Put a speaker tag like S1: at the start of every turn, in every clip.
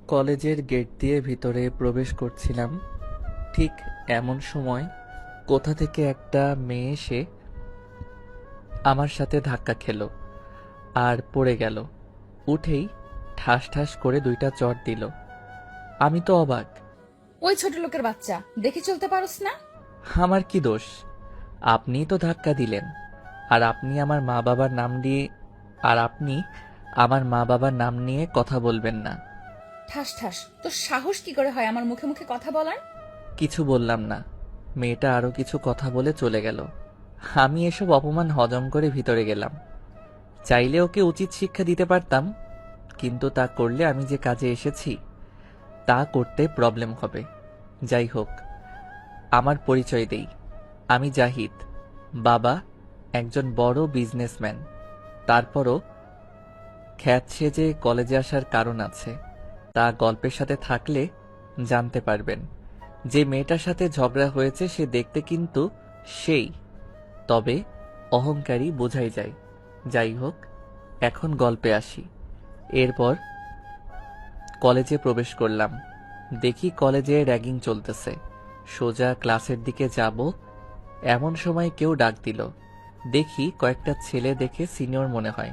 S1: কলেজের গেট দিয়ে ভিতরে প্রবেশ করছিলাম, ঠিক এমন সময় কোথা থেকে একটা মেয়ে এসে আমার সাথে ধাক্কা খেলো আর পড়ে গেল। উঠেই ঠাস ঠাস করে 2টা চড় দিল। আমি তো অবাক।
S2: ওই ছোট লোকের বাচ্চা, দেখে চলতে পারোস না?
S1: আমার কি দোষ? আপনিই তো ধাক্কা দিলেন। আর আপনি আমার মা বাবার নাম দিয়ে আর আপনি আমার মা বাবার নাম নিয়ে কথা বলবেন না।
S2: ঠাস ঠাস, তোর সাহস কি করে হয় আমার মুখে মুখে কথা বলার?
S1: কিছু বললাম না। মেয়েটা আরো কিছু কথা বলে চলে গেল। আমি এসব অপমান হজম করে ভিতরে গেলাম। চাইলে ওকে উচিত শিক্ষা দিতে পারতাম, কিন্তু তা করলে আমি যে কাজে এসেছি তা করতে প্রবলেম হবে। যাই হোক, আমার পরিচয় দেই। আমি জাহিদ। বাবা একজন বড় বিজনেসম্যান। তারপরও খ্যাত সেজে কলেজে আসার কারণ আছে, তা গল্পের সাথে থাকলে জানতে পারবেন। যে মেয়েটার সাথে ঝগড়া হয়েছে সে দেখতে কিন্তু সেই, তবে অহংকারী বোঝাই যায়। যাই হোক, এখন গল্পে আসি। এরপর কলেজে প্রবেশ করলাম। দেখি কলেজে র্যাগিং চলতেছে। সোজা ক্লাসের দিকে যাব, এমন সময় কেউ ডাক দিল। দেখি কয়েকটা ছেলে দেখে সিনিয়র মনে হয়।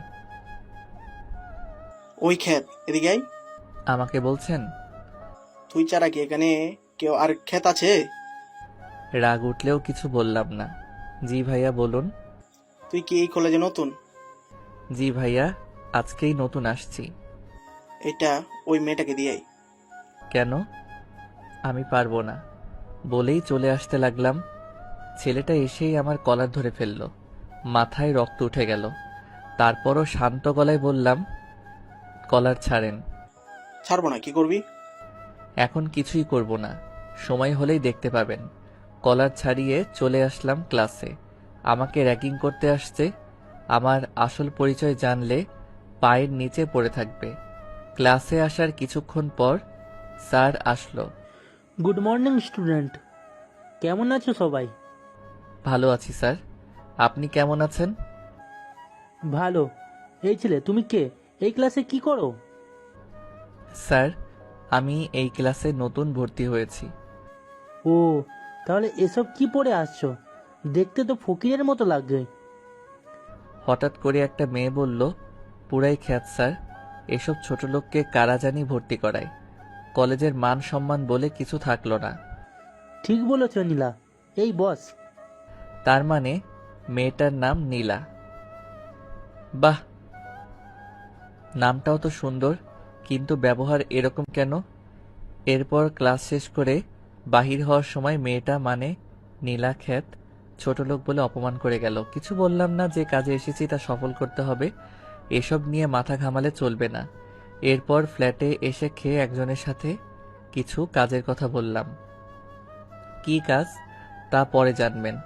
S3: ওই ক্ষেত এদিকে আয়।
S1: আমাকে বলছেন?
S3: তুই ছাড়া কি এখানে কেউ আর ক্ষেত আছে?
S1: রাগ উঠলেও কিছু বললাম না। জি ভাইয়া বলুন।
S3: তুই কি এই কলেজে নতুন?
S1: জি ভাইয়া, আজকেই নতুন আসছি।
S3: এটা ওই মেয়েটাকে দিয়ে আয়।
S1: কেন? আমি পারবো না বলেই চলে আসতে লাগলাম। ছেলেটা এসেই আমার কলার ধরে ফেলল। মাথায় রক্ত উঠে গেল। তারপরও শান্ত গলায় বললাম, কলার ছাড়েন।
S3: ছাড়বো না, কি করবি?
S1: এখন কিছুই করব না, সময় হলেই দেখতে পাবেন। কলার ছাড়িয়ে চলে আসলাম ক্লাসে। আমাকে র্যাগিং করতে আসছে। আমার আসল পরিচয় জানলে পায়ের নিচে পড়ে থাকবে। ক্লাসে আসার কিছুক্ষণ পর স্যার আসলো।
S4: গুড মর্নিং স্টুডেন্ট, কেমন আছো সবাই?
S1: ভালো আছি স্যার, আপনি কেমন আছেন?
S4: ভালো। এই ছেলে, তুমি কে? এই ক্লাসে কি করো?
S1: স্যার, আমি এই ক্লাসে নতুন ভর্তি হয়েছি।
S4: ও, তাহলে এসব কি পড়ে আসছো? দেখতে তো ফকিরের মতো লাগছে।
S1: হঠাৎ করে একটা মেয়ে বলল, পুরাই খ্যাত স্যার, এসব ছোট লোককে কারা জানি ভর্তি করায়। কলেজের মান সম্মান বলে কিছু থাকলো না।
S4: ঠিক বলেছ নীলা, এই বস।
S1: তার মানে মেয়েটার নাম নীলা। বাহ, নামটাও তো সুন্দর, কিন্তু ব্যবহার এরকম কেন? এরপর ক্লাস শেষ করে বাহির হওয়ার সময় মেয়েটা মানে নীলা খ্যাত ছোট লোক বলে অপমান করে গেল। কিছু বললাম না, যে কাজে এসেছি তা সফল করতে হবে, এসব নিয়ে মাথা ঘামালে চলবে না। এরপর ফ্ল্যাটে এসে খেয়ে একজনের সাথে কিছু কাজের কথা বললাম। কি কাজ তা পরে জানবেন।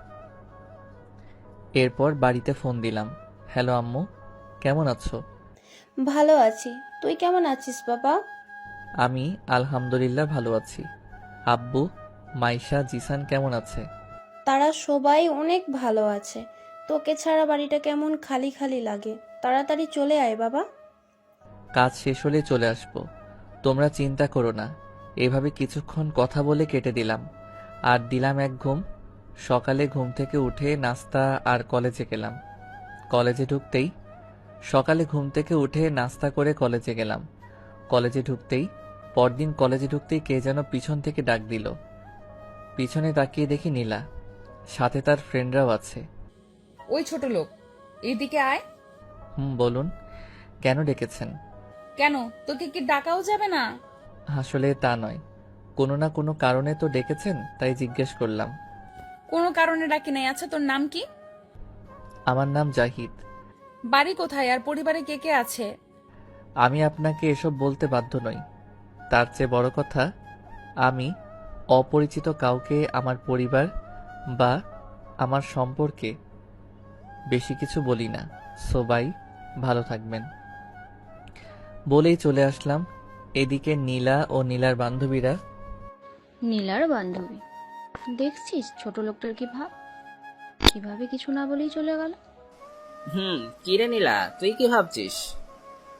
S1: এরপর বাড়িতে ফোন দিলাম। হ্যালো আম্মু, কেমন আছো?
S5: ভালো আছি। তুই কেমন আছিস বাবা?
S1: আমি আলহামদুলিল্লাহ ভালো আছি। আব্বু, মাইশা, জিসান কেমন আছে?
S5: তারা সবাই অনেক ভালো আছে। তোকে ছাড়া বাড়িটা কেমন খালি খালি লাগে। তাড়াতাড়ি চলে আয় বাবা।
S1: কাজ শেষ হলে চলে আসবো, তোমরা চিন্তা করো না। এভাবে কিছুক্ষণ কথা বলে কেটে দিলাম। আর দিলাম এক ঘুম। সকালে ঘুম থেকে উঠে নাস্তা আর কলেজে গেলাম। কলেজে ঢুকতেই সকালে ঘুম থেকে উঠে নাস্তা করে কলেজে গেলাম। কলেজে ঢুকতেই পরদিন কলেজে ঢুকতেই কে যেন পিছন থেকে ডাক দিল। পিছনে তাকিয়ে দেখি নীলা, সাথে তার ফ্রেন্ডরাও আছে।
S2: ওই ছোট লোক, এদিকে আয়।
S1: বলুন, কেন ডেকেছেন?
S2: কেন, তোকে কি ডাকাও যাবে না?
S1: আসলে তা নয়, কোনো না কোনো কারণে তো ডেকেছেন, তাই জিজ্ঞেস করলাম।
S2: কোনো কারণে ডাকি নাই। আচ্ছা, তোর নাম কি?
S1: আমার নাম জাহিদ।
S2: বাড়ি কোথায় আর পরিবারে কে কে আছে?
S1: আমি আপনাকে এসব বলতে বাধ্য নই। তার চেয়ে বড় কথা, আমি অপরিচিত কাউকে আমার পরিবার বা আমার সম্পর্কে বেশি কিছু বলি না। সবাই ভালো থাকবেন বলেই চলে আসলাম। এদিকে নীলা ও নীলার বান্ধবীরা।
S6: নীলার বান্ধবী, দেখছিস ছোট লোকটার কি ভাব, কিভাবে কিছু না বলেই চলে গেল।
S7: কি রে নীলা, তুই কি ভাবছিস?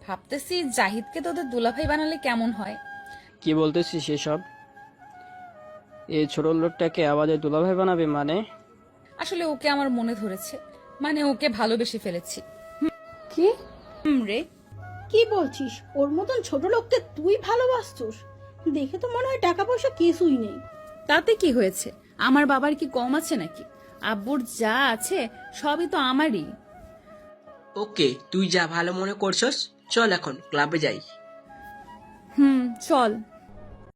S2: ভাবতেছি জাহিদকে তোদের দুলাভাই বানালে কেমন হয়।
S7: কি বলতেছিস সেসব? এই ছোট লোকটাকে আমাদের দুলাভাই বানাবে মানে?
S2: আসলে ওকে আমার মনে ধরেছে, মানে ওকে ভালোবেসে ফেলেছি।
S8: কি
S2: রে,
S8: কি বলছিস? ওর মতন ছোট লোককে তুই ভালোবাসছিস? দেখে তো মনে হয় টাকা পয়সা কিছুই নেই।
S2: তাতে কি হয়েছে? আমার বাবার কি কম আছে নাকি? আব্বুর যা আছে সবই তো আমারই।
S9: ওকে, তুই যা ভালো মনে করছস, চল এখন ক্লাবে যাই।
S2: চল।